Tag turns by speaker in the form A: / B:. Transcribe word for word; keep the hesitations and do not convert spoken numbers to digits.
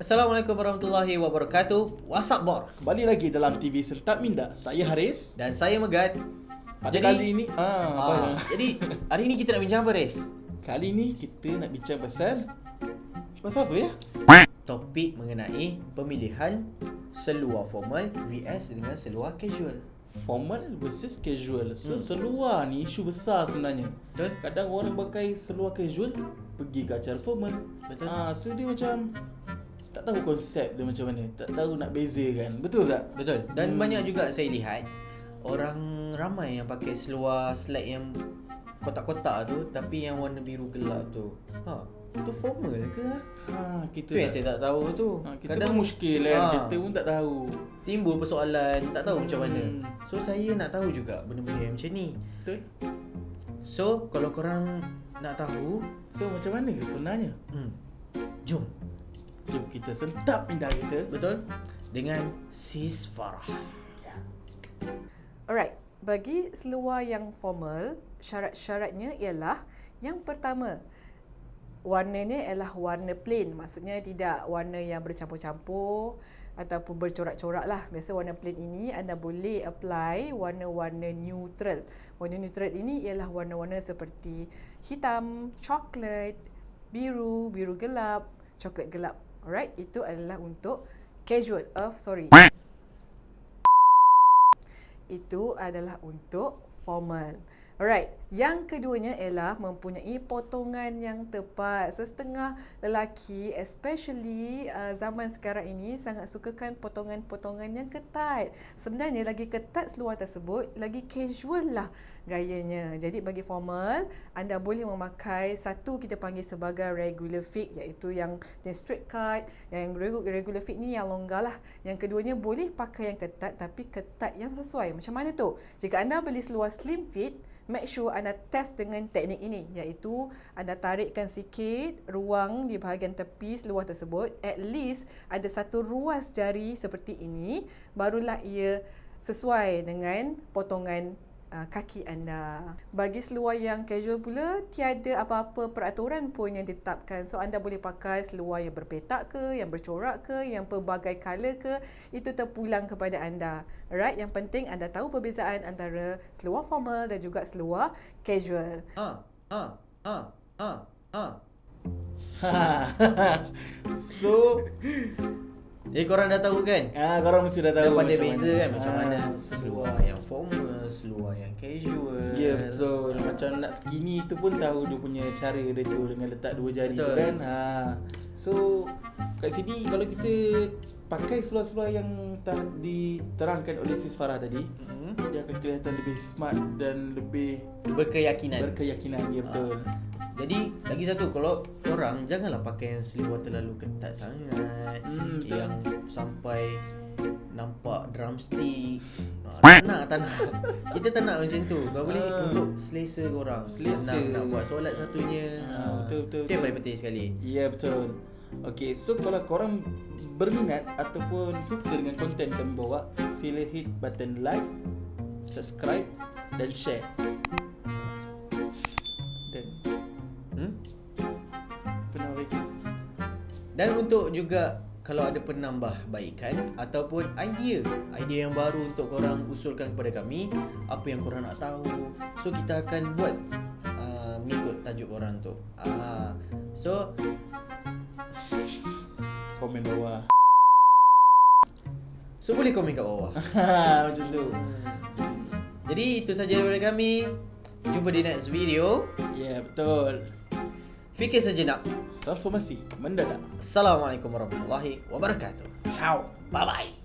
A: Assalamualaikum warahmatullahi wabarakatuh. What's up, Bor?
B: Kembali lagi dalam T V Sentap Minda. Saya Haris.
A: Dan saya Megat.
B: Pada jadi, kali ini ah, apa
A: ah, Jadi hari ini kita nak bincang apa, Haris?
B: Kali ini kita nak bincang pasal Pasal apa ya?
A: Topik mengenai pemilihan seluar formal vs dengan seluar casual.
B: Formal versus casual. So, hmm. Seluar ni isu besar sebenarnya.
A: Betul.
B: Kadang orang pakai seluar casual pergi ke acara formal.
A: Betul.
B: Ah, so dia macam tak tahu konsep dia macam mana, tak tahu nak bezakan. Betul tak?
A: Betul. Dan
B: hmm.
A: banyak juga saya lihat orang ramai yang pakai seluar slack yang kotak-kotak tu tapi yang warna biru gelap tu. Ha, tu formal ke?
B: Ha, kita
A: tu yang saya tak tahu tu.
B: Ha, kita kadang pun muskil kan,
A: ha,
B: kita pun tak tahu.
A: Timbul persoalan, tak tahu hmm. macam mana. So saya nak tahu juga benda-benda yang macam ni.
B: Betul.
A: So kalau korang nak tahu,
B: so macam mana ke sebenarnya?
A: Hmm. Jom.
B: Jom kita sentap minda kita.
A: Betul. Dengan Sis Farah.
B: Ya.
C: Alright, bagi seluar yang formal, syarat-syaratnya ialah yang pertama, warnanya ialah warna plain. Maksudnya tidak warna yang bercampur-campur ataupun bercorak-corak lah. Biasa warna plain ini anda boleh apply warna-warna neutral. Warna neutral ini ialah warna-warna seperti hitam, coklat, biru, biru gelap, coklat gelap. Alright, itu adalah untuk casual. Oh, sorry. Itu adalah untuk formal. Alright, yang keduanya ialah mempunyai potongan yang tepat. Setengah lelaki, especially uh, zaman sekarang ini, sangat sukakan potongan-potongan yang ketat. Sebenarnya lagi ketat seluar tersebut, lagi casual lah gayanya. Jadi bagi formal, anda boleh memakai satu kita panggil sebagai regular fit, iaitu yang, yang straight cut. Yang regular fit ni yang longgar lah. Yang keduanya boleh pakai yang ketat, tapi ketat yang sesuai. Macam mana tu? Jika anda beli seluar slim fit, make sure anda test dengan teknik ini, iaitu anda tarikkan sikit ruang di bahagian tepi seluar tersebut. At least ada satu ruas jari seperti ini, barulah ia sesuai dengan potongan uh, kaki anda. Bagi seluar yang casual pula, tiada apa-apa peraturan pun yang ditetapkan. So anda boleh pakai seluar yang berpetak ke, yang bercorak ke, yang pelbagai color ke, itu terpulang kepada anda. Alright, yang penting anda tahu perbezaan antara seluar formal dan juga seluar casual.
A: Ha, ha, ha, ha, ha.
B: So,
A: jadi korang dah tahu kan?
B: Ah, korang mesti dah tahu
A: dah pandai
B: macam
A: beza
B: mana.
A: kan macam
B: ah,
A: mana
B: seluar.
A: seluar yang formal, seluar yang casual.
B: Ya, betul. Macam nak skinny tu pun tahu dia punya cara dia tu dengan letak dua jari tu kan. Ha. So, kat sini kalau kita pakai seluar-seluar yang telah diterangkan oleh Sis Farah tadi, mm-hmm. dia akan kelihatan lebih smart dan lebih
A: berkeyakinan.
B: Berkeyakinan, ya betul.
A: Ha. Jadi lagi satu, kalau korang janganlah pakai yang seluar terlalu ketat sangat, hmm, yang sampai nampak drumstick. Ha, tak nak, tak nak. Kita tak nak macam tu. Kau boleh uh, untuk selesa korang.
B: Selesa.
A: Senang nak buat solat satunya.
B: Ha, betul, betul,
A: Itu yang paling penting sekali.
B: Ya, betul. Okay, so kalau korang berminat ataupun suka dengan konten kami bawa, sila hit button like, subscribe dan share. Dan hmm? penambah baikan.
A: Dan untuk juga kalau ada penambahbaikan ataupun idea, idea yang baru untuk korang usulkan kepada kami, apa yang korang nak tahu, so kita akan buat uh, mengikut tajuk korang tu. uh, So
B: komen bawah.
A: So boleh komen kat bawah.
B: Macam tu.
A: Jadi itu saja daripada kami. Jumpa di next video.
B: Ya, yeah, betul.
A: Fikir sejenak,
B: Transformasi mendadak.
A: Assalamualaikum warahmatullahi wabarakatuh. Ciao. Bye bye.